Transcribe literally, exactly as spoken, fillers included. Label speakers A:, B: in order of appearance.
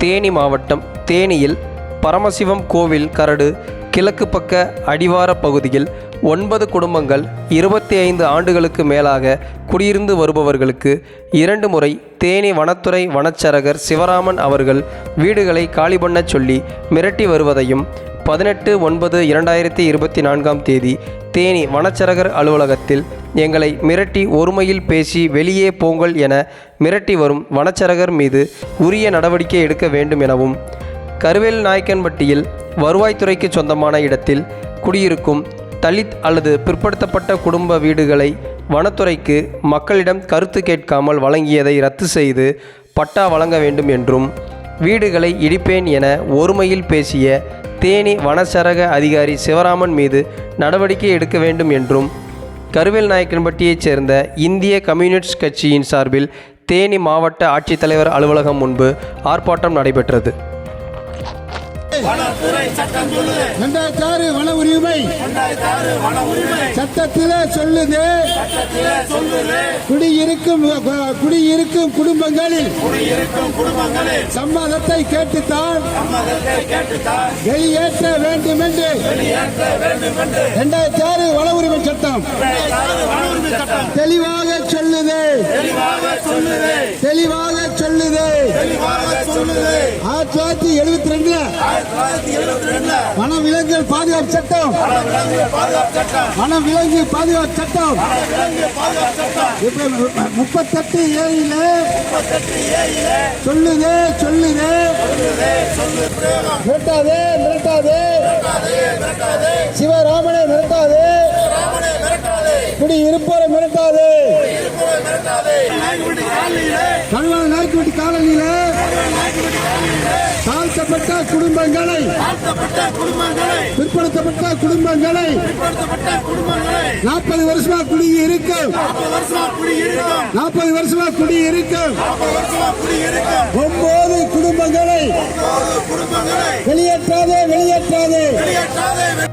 A: தேனி மாவட்டம் தேனியில் பரமசிவம் கோவில் கரடு கிழக்கு பக்க அடிவார பகுதியில் ஒன்பது குடும்பங்கள் இருபத்தி ஐந்து ஆண்டுகளுக்கு மேலாக குடியிருந்து வருபவர்களுக்கு இரண்டு முறை தேனி வனத்துறை வனச்சரகர் சிவராமன் அவர்கள் வீடுகளை காலி பண்ணச் சொல்லி மிரட்டி வருவதையும் பதினெட்டு ஒன்பது இரண்டாயிரத்தி இருபத்தி நான்காம் தேதி தேனி வனச்சரகர் அலுவலகத்தில் எங்களை மிரட்டி ஒருமையில் பேசி வெளியே போங்கள் என மிரட்டி வரும் வனச்சரகர் மீது உரிய நடவடிக்கை எடுக்க வேண்டும் எனவும், கருவேல் நாயக்கன்பட்டியில் வருவாய்த்துறைக்கு சொந்தமான இடத்தில் குடியிருக்கும் தலித் அல்லது பிற்படுத்தப்பட்ட குடும்ப வீடுகளை வனத்துறைக்கு மக்களிடம் கருத்து கேட்காமல் வழங்கியதை ரத்து செய்து பட்டா வழங்க வேண்டும் என்றும், வீடுகளை இடிப்பேன் என ஒருமையில் பேசிய தேனி வனச்சரக அதிகாரி சிவராமன் மீது நடவடிக்கை எடுக்க வேண்டும் என்றும் கருவேல் நாயக்கன்பட்டியைச் சேர்ந்த இந்திய கம்யூனிஸ்ட் கட்சியின் சார்பில் தேனி மாவட்ட ஆட்சித்தலைவர் அலுவலகம் முன்பு ஆர்ப்பாட்டம் நடைபெற்றது.
B: ரெண்டாயிரத்தி ஆறு வன உரிமை சட்டத்திலே சொல்லுது, குடியிருக்கும் குடியிருக்கும் குடும்பங்களில் சம்மதத்தை கேட்டுத்தான் வெளியேற்ற வேண்டும் என்று ரெண்டாயிரத்தி ஆறு வன உரிமை சட்டம் தெளிவாக சொல்லுது தெளிவாக சொல்லுது ஆயிரத்தி தொள்ளாயிரத்தி எழுபத்தி ரெண்டுல வனவிலங்குகள் பாதுகாப்பு சட்டம் வனவிலங்கு பாதுகாப்பு சட்டம் முப்பத்தெட்டு ஏழில சொல்லுது சொல்லுது மிரட்டாதே மிரட்டாதே சிவராமனை மிரட்டாதே, குடியிருப்போரை மிரட்டாதே. கல்வான நாய்க்குட்டி காலனியில தாழ்த்தப்பட்ட குடும்பங்களை பிற்படுத்தப்பட்ட குடும்பங்களை நாற்பது வருஷமா குடியிருக்கும் நாற்பது வருஷமா குடியிருக்கும் ஒன்பது குடும்பங்களை வெளியேற்றாதே வெளியேற்றாதே